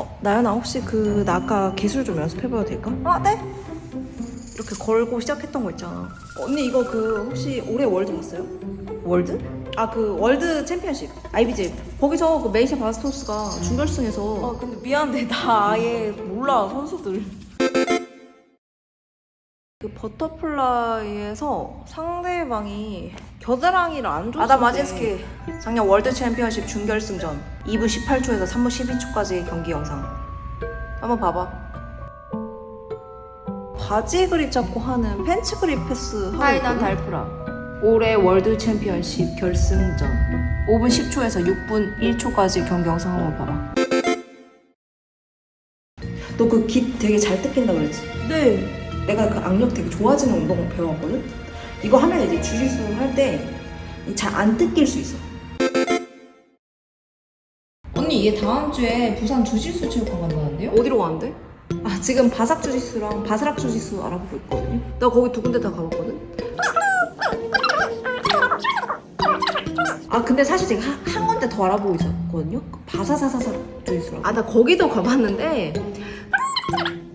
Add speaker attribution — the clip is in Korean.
Speaker 1: 나연아, 혹시 나 아까 기술 좀 연습해봐도 될까?
Speaker 2: 네?
Speaker 1: 이렇게 걸고 시작했던 거 있잖아. 언니 이거 혹시 올해 월드 봤어요?
Speaker 2: 월드?
Speaker 1: 월드 챔피언십 IBJ 거기서 메이샤 바스토스가 준결승에서
Speaker 2: 근데 미안한데 나 아예 몰라 선수들.
Speaker 1: 버터플라이에서 상대방이 겨드랑이를 안 줬을
Speaker 2: 아담
Speaker 1: 때
Speaker 2: 마진스키.
Speaker 1: 작년 월드 챔피언십 준결승전 2분 18초에서 3분 12초까지 경기 영상 한번 봐봐. 바지 그립 잡고 하는 팬츠 그립 패스 하고
Speaker 2: 하이난
Speaker 1: 있거든?
Speaker 2: 달프라.
Speaker 1: 올해 월드 챔피언십 결승전 5분 10초에서 6분 1초까지 경기 영상 한번 봐봐. 너 그 깃 되게 잘 뜯긴다 그랬지?
Speaker 2: 네.
Speaker 1: 내가 그 악력 되게 좋아지는 운동 배워왔거든? 이거 하면 이제 주짓수 할 때 잘 안 뜯길 수 있어.
Speaker 2: 언니 얘 다음 주에 부산 주짓수 체육관 간다는데요?
Speaker 1: 어디로 가는데? 지금 바삭 주짓수랑 바스락 주짓수 알아보고 있거든요. 나 거기 두 군데 다 가봤거든? 근데 사실 제가 한 군데 더 알아보고 있었거든요? 바사사사사 주짓수라고. 나 거기도 가봤는데